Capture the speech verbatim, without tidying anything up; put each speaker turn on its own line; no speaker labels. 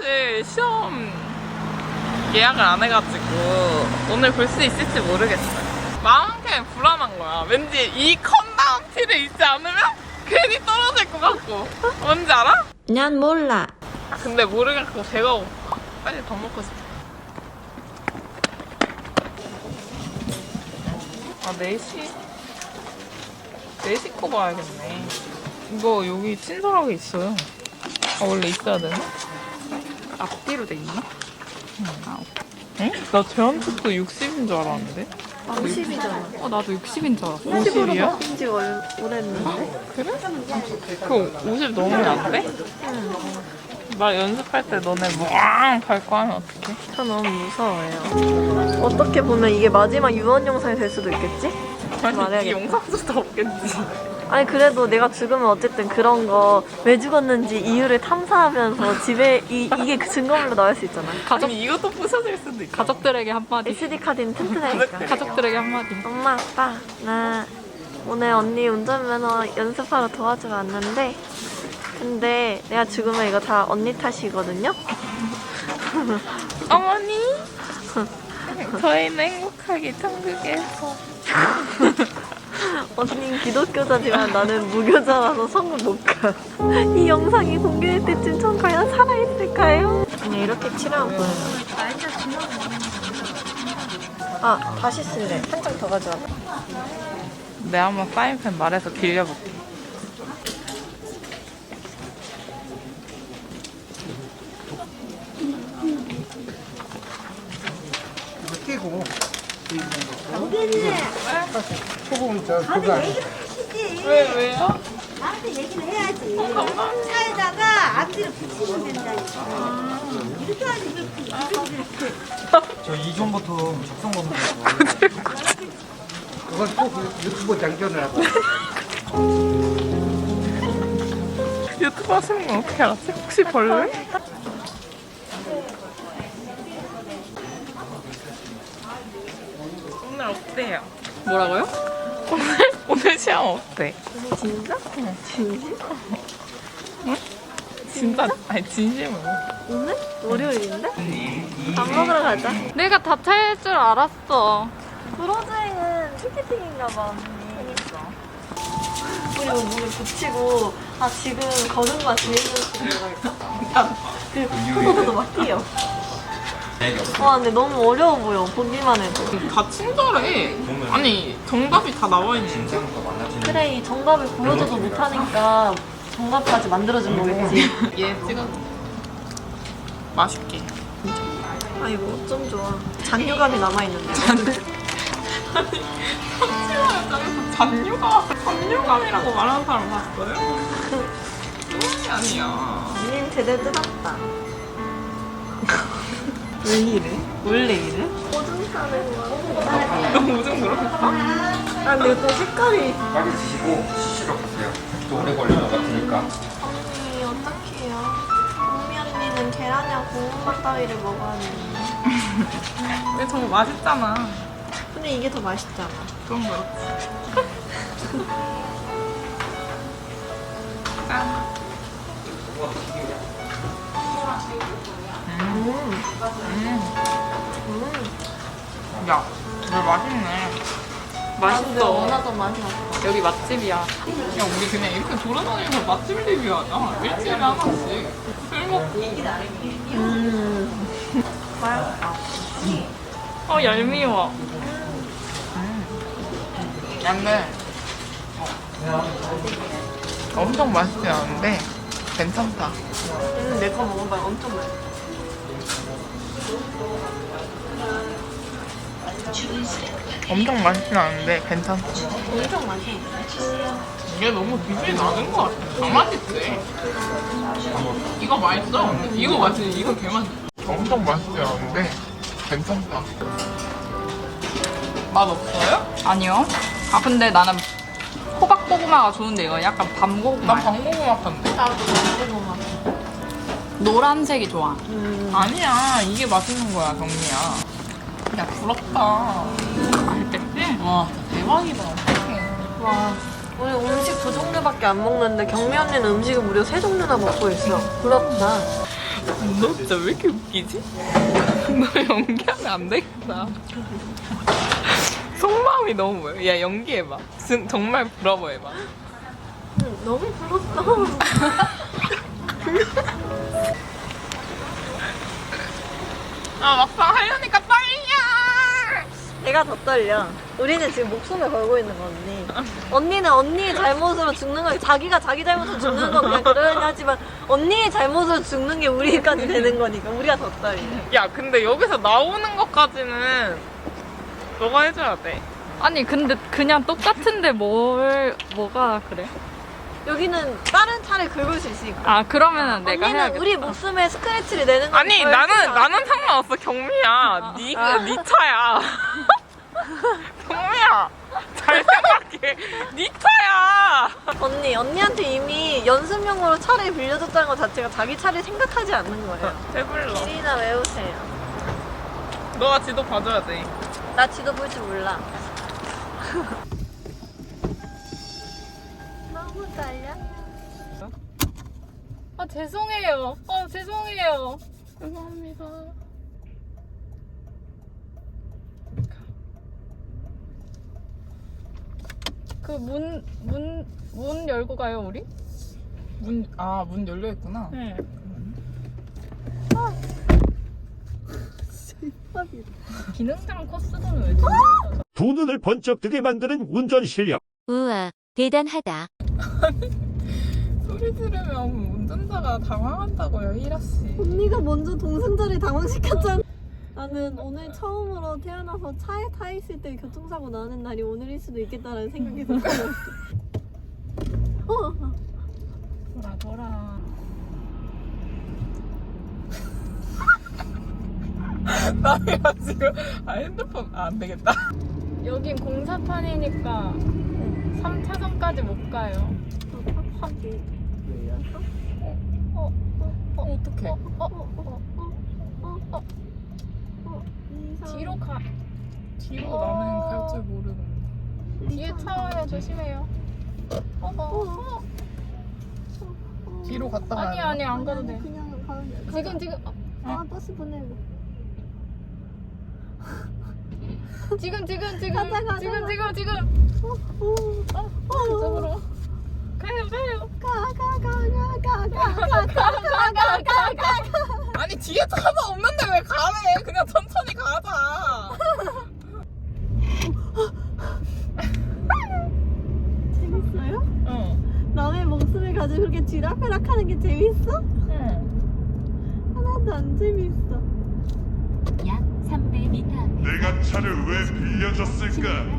사실 시험 예약을 안 해가지고 오늘 볼 수 있을지 모르겠어요. 마음 한켠에 불안한 거야. 왠지 이 컨다운 티를 입지 않으면 괜히 떨어질 것 같고. 뭔지 알아?
난 몰라.
근데 모르겠고 배가 고파. 빨리 밥 먹고 싶어. 아, 네 시? 네 시 거 봐야겠네. 이거 여기 친절하게 있어요. 아, 원래 있어야 되나? 앞뒤로 돼 있나? 응. 아, 응? 나 제한속도 육십인 줄 알았는데?
오십이잖아.
어, 나도 육십인 줄 알았어.
오십으로
오십이야?
바뀐 지 오래됐는데?
그래? 그 오십 넘으면 안 돼?
응.
나 연습할 때 너네 뭐앙 밟고 하면 어떡해?
저 너무 무서워요. 어떻게 보면 이게 마지막 유언 영상이 될 수도 있겠지?
아니, 이
말해야겠다.
영상조차 없겠지.
아니 그래도 내가 죽으면 어쨌든 그런 거 왜 죽었는지 이유를 탐사하면서 집에 이, 이게 그 증거물로 나올 수 있잖아.
가족... 아니, 이것도 부서질 수도 있어. 가족들에게 한마디.
에스디 카드는 튼튼하니까.
가족들에게 한마디.
엄마 아빠 나 오늘 언니 운전면허 연습하러 도와주러 왔는데 근데 내가 죽으면 이거 다 언니 탓이거든요?
어머니 저희는 행복하게 천국에서.
언니는 기독교자지만 나는 무교자라서 천국 못 가. 이 영상이 공개될 때쯤 전 과연 살아있을까요? 그냥 이렇게 칠하고 보여요. 아 다시 쓸래. 한 장 더 가져와봐.
내가 한번 사인펜 말해서 빌려볼게.
이거 끼고 소금 저 그거 아니야?
왜, 왜요?
나한테 얘기를 해야지. 차에다가 앞뒤로 붙이면 된다니까. 이렇게 하지 이렇게 이렇게 이렇게.
저 이전부터 작성 검사했어. 그건 꼭 유튜브 장전을 하고.
유튜브 하시는 건 어떻게 알았지? 혹시 벌레? 오늘 어때요? 뭐라고요? 오늘, 오늘 시험 어때?
진짜? 진심?
응? 진짜? 아니, 진심으로.
오늘? 월요일인데? 밥 먹으러 가자.
내가 다 차일 줄 알았어.
브로즈행은 티켓팅인가 봐, 언니. 그리고 문을 붙이고, 아, 지금 걸은 거야, 제일 들어가겠다. 그, 포도도 막 뛰어. 와, 근데 너무 어려워 보여, 보기만 해도.
다 친절해. 아니, 정답이 다 나와 있는데.
그래, 이 정답을 보여줘도 못하니까 정답까지 만들어준 거겠지.
얘 찍어. 맛있게.
아이고, 어쩜 좋아. 잔유감이 남아있는데.
아니, 삼칠만 잔유감, 잔유감이라고 말하는 사람 봤어요? 그게 아니야.
언니는 제대로 뜯었다. 왜 이래? 원래 이래? 오줌 싸는 거야.
너 오줌 그렇겠어?
아, 근데 또 색깔이.
빨리 드시고 쉬시러 가세요. 또 오래 걸릴 것 같으니까.
언니, 어떡해요? 언니 언니는 계란이랑 고구마 따위를 먹어야 되는데.
근데 저거 맛있잖아.
근데 이게 더 맛있잖아.
그건 그렇지. 짠.
음.
음.
음.
야, 이거 맛있네.
근데
맛있어.
원하던 맛이 없어.
여기 맛집이야. 야, 우리 그냥 이렇게 돌아다니면서 맛집 리뷰하자. 일주일에 하나씩. 술 먹고.
음. 맛있다.
어, 얄미워. 근데 엄청 맛있지 않은데 괜찮다.
음, 내 거 먹어봐. 엄청 맛있어.
엄청 맛있진 않은데 괜찮다.
엄청 맛있어.
이게 너무 비주얼이 낮은 것 같아. 다 맛있지. 이거 맛있어. 이거 맛있지. 이거 개 맛있어. 엄청 맛있지 않은데 괜찮다. 맛 없어요?
아니요. 아 근데 나는 호박고구마가 좋은데 이거 약간 밤고구마.
난 방고구마 판데.
나도 고구마.
노란색이 좋아.
음.
아니야. 이게 맛있는 거야, 경미야. 야, 부럽다. 맛있겠지? 와, 대박이다. 어떡해.
와, 우리 음식 두 종류밖에 안 먹는데 경미 언니는 음식을 무려 세 종류나 먹고 있어. 부럽다.
너 진짜 왜 이렇게 웃기지? 너 연기하면 안 되겠다. 속마음이 너무 보여. 야 연기해봐. 진- 정말 브라보 해봐.
응, 너무 불렀어.
아 막상 하려니까 떨려.
내가 더 떨려. 우리는 지금 목숨을 걸고 있는 거 언니. 언니는 언니의 잘못으로 죽는 거, 자기가 자기 잘못으로 죽는 건 그냥 그러려니 하지만 언니의 잘못으로 죽는 게 우리까지 되는 거니까 우리가 더 떨려.
야 근데 여기서 나오는 것까지는 너가 해줘야 돼.
아니 근데 그냥 똑같은데 뭘 뭐가 그래?
여기는 다른 차를 긁을 수 있으니까.
아 그러면은 내가
언니는
해야겠다.
우리 목숨에 스크래치를 내는 거.
아니 나는 나는 상관없어 경미야. 네가 네 차야. 경미야 잘 생각해. 네 차야.
언니 언니한테 이미 연습용으로 차를 빌려줬다는 것 자체가 자기 차를 생각하지 않는 거예요.
배불러.
길이나 외우세요.
너가 지도 봐줘야 돼.
나 지도 볼 줄 몰라. 너무 떨려.
아 죄송해요. 아 죄송해요.
죄송합니다.
그 문 문 문 열고 가요 우리?
문, 아, 문 열려있구나.
네. 기능장 코스도는 왜 듣는 거죠?
두 눈을 번쩍 뜨게 만드는 운전 실력.
우와, 대단하다.
소리 들으면 운전자가 당황한다고요, 희라씨.
언니가 먼저 동승자를 당황시켰잖아. 나는 오늘 처음으로 태어나서 차에 타 있을 때 교통사고 나는 날이 오늘일 수도 있겠다라는 생각이 들었어. 어.
돌아 돌아.
나야 지금, 아, 핸드폰, 아, 안 되겠다.
여긴 공사판이니까 삼 차선까지 못 가요.
확하게 눌려서.
어,
어, 어떡해.
어, 어, 어,
어. 어. 어. 이상.
뒤로 가.
뒤로
어.
나는 갈 줄 모르는데.
뒤에 차 와요. 조심해요. 어, 어, 어.
뒤로 갔다
아니
가야
아니 안 가도 돼.
그냥 가면 돼.
지금 지금 어,
아 버스 보내고.
지금 지금 지금
가자, 가자.
지금 지금 지금
어. 어.
어 이쪽으로 가요 가요.
가가가가가가가가가가.
아니, 뒤에 차가 없는데 왜 가래? 그냥 천천히 가자.
재밌어요?
응.
남의 목숨을 가지고 그렇게 쥐락펴락하는 게 재밌어?
응.
하나도 안 재밌어.
약 삼백 미터 앞에
내가 차를 왜 빌려줬을까?